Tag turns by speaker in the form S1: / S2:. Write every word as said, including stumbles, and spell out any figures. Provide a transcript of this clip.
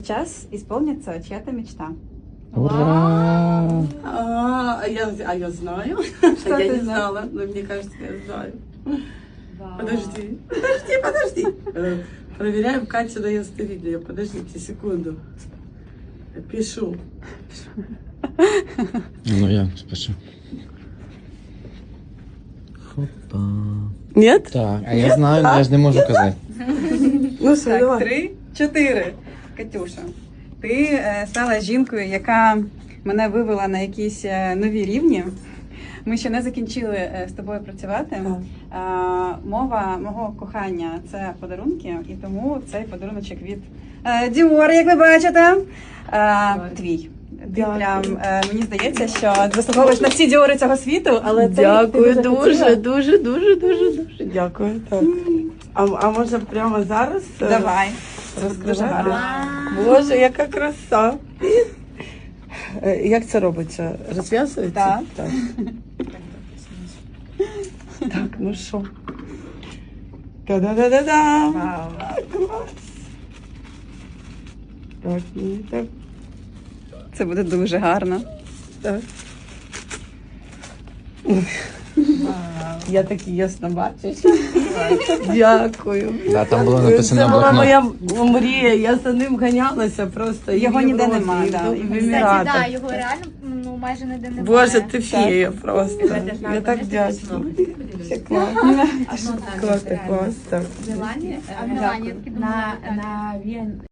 S1: Сейчас исполнится чья-то мечта.
S2: Ура!
S3: А, а я, а я знаю.
S1: Что
S3: А я
S1: ты
S3: не
S1: знаешь?
S3: знала, но мне кажется, я знаю. Подожди, подожди, подожди. Э, Проверяем Катю на ясновидение. Подождите секунду. Пишу.
S2: Ну я спешу. Хопа.
S3: Нет?
S2: Так, а я знаю, але я ж не можу казати.
S3: Ну все,
S1: Так,
S3: давай.
S1: три, чотири. Катюша, ти е, стала жінкою, яка мене вивела на якісь е, нові рівні. Ми ще не закінчили е, з тобою працювати.
S3: Так.
S1: А, мова мого кохання це подарунки, і тому цей подаруночок від е, Dior, як ви бачите, е, твій. Ти
S3: Дякую.
S1: прям, е, мені здається, що заслуговуєш на всі діори цього світу, але це
S3: Дякую
S1: ти
S3: дуже,
S1: хотіла.
S3: дуже, дуже, дуже, дуже. Дякую. Так. А, а може прямо зараз? е,
S1: Давай.
S3: Розкривати?
S1: Давай.
S3: Боже, яка краса. Е, Як це робиться? Розв'язується?
S1: Так.
S3: Так, так ну що? Та-да-да-да-да!
S1: Вау.
S3: Клас! Так, і так,
S1: Це буде дуже гарно.
S3: так. Я такі ясно бачу. Дякую.
S2: Да, там було написано
S3: Це була
S2: блокнот.
S3: моя мрія, я за ним ганялася просто. і
S1: Його
S3: в
S1: ніде
S3: Європі,
S1: нема,
S3: і в-
S1: да.
S3: і в
S1: Кстати,
S3: Еміратах.
S4: Так, да, його реально ну, майже ніде немає.
S3: Боже, ти фея просто. Я так вдячна. Все клас. Клас, клас, так.
S4: В Мілані, а в Мілані, я таки думала,
S5: На,
S4: так.
S5: на Вен...